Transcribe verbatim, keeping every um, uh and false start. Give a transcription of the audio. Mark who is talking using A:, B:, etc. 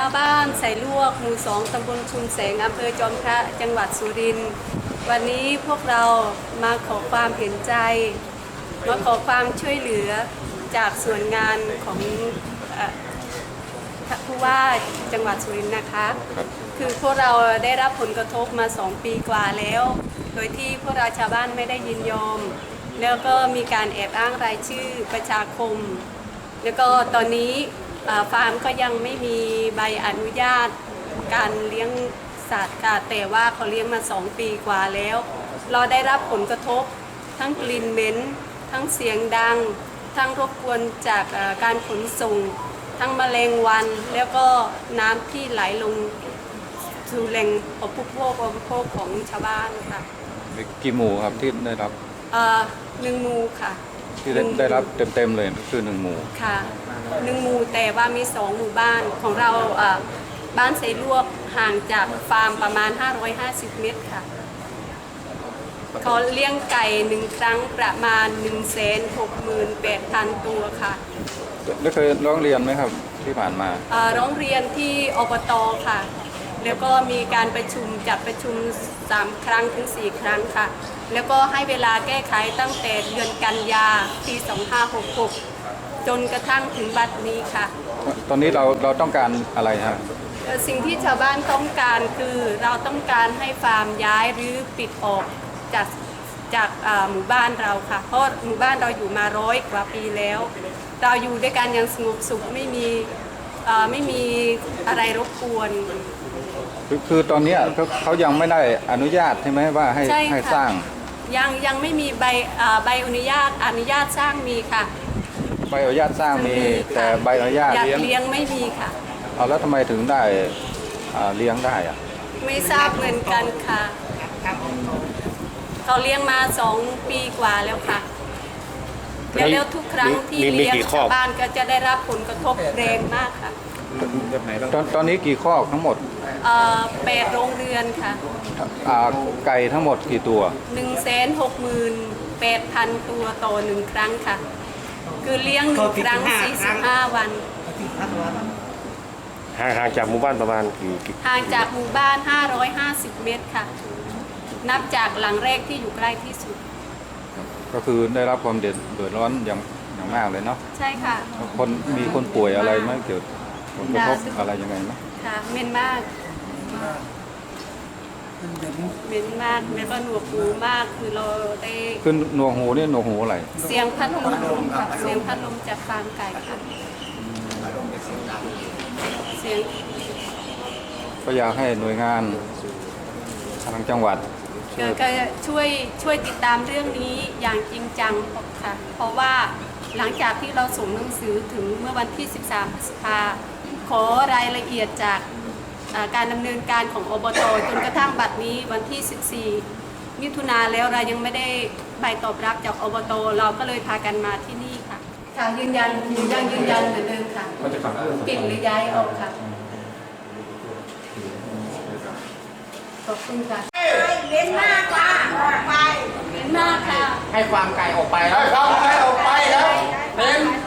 A: าวบ้านใส่ลวกหมู่สองตำบลชุมแสงอำเภอจอมพระจังหวัดสุรินทร์วันนี้พวกเรามาขอความเห็นใจมาขอความช่วยเหลือจากส่วนงานของผู้ว่าจังหวัดสุรินทร์นะคะคือพวกเราได้รับผลกระทบมาสองปีกว่าแล้วโดยที่พวกเราชาวบ้านไม่ได้ยินยอมแล้วก็มีการแอบอ้างรายชื่อประชาคมแล้วก็ตอนนี้ฟาร์มก็ยังไม่มีใบอนุญาตการเลี้ยงสัตว์ค่ะแต่ว่าเขาเลี้ยงมาสองปีกว่าแล้วเราได้รับผลกระทบทั้งกลิ่นเหม็นทั้งเสียงดังทั้งรบกวนจากการขนส่งทั้งแมลงวันแล้วก็น้ำที่ไหลลงสู่แหล่งอุปโภคบริโภคของชาวบ้านค่ะ
B: กี่หมู่ครับที่ได้รับ
A: หนึ่งหมู่ค่ะ
B: ที่ได้รับเต็มๆเลยคือหนึ่งหมู่
A: ค่ะหนึ่งหมู่แต่ว่ามีสองหมู่บ้านของเราบ้านไซลวกห่างจากฟาร์มประมาณห้าร้อยห้าสิบเมตรค่ะเขาเลี้ยงไก่หนึ่งครั้งประมาณ หนึ่งแสนหกหมื่นแปดพัน ตัวค่ะ
B: ได้เคยร้องเรียนไหมครับที่ผ่านมา
A: ร้องเรียนที่อบต.ค่ะแล้วก็มีการประชุมจัดประชุมสามครั้งถึงสี่ครั้งค่ะแล้วก็ให้เวลาแก้ไขตั้งแต่เดือนกันยาปีสองพันห้าร้อยหกสิบหกจนกระทั่งถึงบัดนี้ค่ะ
B: ตอนนี้เราเราต้องการอะไรฮะ
A: สิ่งที่ชาวบ้านต้องการคือเราต้องการให้ฟาร์มย้ายหรือปิดออกจากจากหมู่บ้านเราค่ะเพราะหมู่บ้านเราอยู่มาร้อยกว่าปีแล้วเราอยู่ด้วยกันอย่างสงบสุขไม่มีไม่มีอะไรรบกวน
B: คือคือตอนนี้เขายังไม่ได้อนุญาตใช่ไหมว่าให้ให้สร้าง
A: ยังยังไม่มีใบใบอนุญาตอนุญาตสร้างมีค่ะ
B: ใบอนุญาตสร้างมีแต่ใบอนุญาต
A: เลี้ยงไม่มีค่ะ
B: เอาแล้วทำไมถึงได้เลี้ยงได้อะ
A: ไม่ทราบเหมือนกันค่ะเขาเลี้ยงมาสองปีกว่าแล้วค่ะแล้วทุกครั้งที่เลี้ยงชาวบ้านก็จะได้รับผลกระทบแรงมากค่ะ
B: ตอนตอนนี้กี่คอกทั้งหมด
A: แปดโรงเรือนค่ะ
B: ไก่ทั้งหมดกี่ตัว
A: หนึ่งแสนหกหมื่นแปดพันตัวต่อหนึ่งครั้งค่ะคือเลี้ยงหนึ่งครั้งสี่สิบห้าวัน
C: ห่างห่างจากหมู่บ้านประมาณกี่
A: ห่างจากหมู่บ้านห้าร้อยห้าสิบเมตรค่ะนับจากหลังแรกที่อยู่ใกล้ที่สุด
B: ก็คือได้รับความเดือดร้อนอย่างอย่างมากเลยเนาะ
A: ใช่ค่ะ
B: คนมีคนป่วยอะไรไหมเกี่ยวผลกระทบอะไรยังไงไหม
A: ค่ะเหม็นมากเหม็นมากแล้วก็หนวกหูมากคือเราได้
B: ขึ้นหนวกหูนี่หนวกหูอะไร
A: เสียงพัดลมค่ะเสียงพัดลมจากฟาร์มไก่ค่ะเสียง
B: ก็อยากให้หน่วยงานทางจังหวัด
A: ก็ช่วยช่วยติดตามเรื่องนี้อย่างจริงจังค่ะเพราะว่าหลังจากที่เราส่งหนังสือถึงเมื่อวันที่สิบสามพฤษภาขอรายละเอียดจากการดำเนินการของอบต.จนกระทั่งบัดนี้วันที่สิบสี่มิถุนาแล้วเรายังไม่ได้ใบตอบรับจากอบต.เราก็เลยพากันมาที่นี่ค่ะค่ะยืนยันยังยืนยันเหมือนเดิมค่ะปิดหรือย้ายออกค่ะขอบคุณค่ะ
D: เล่นมากกว่าออกไป
A: เล่นมากค่ะ
D: ให้ความไก่ออกไปแล้วให้ความไก่ออกไปแล้วเล่น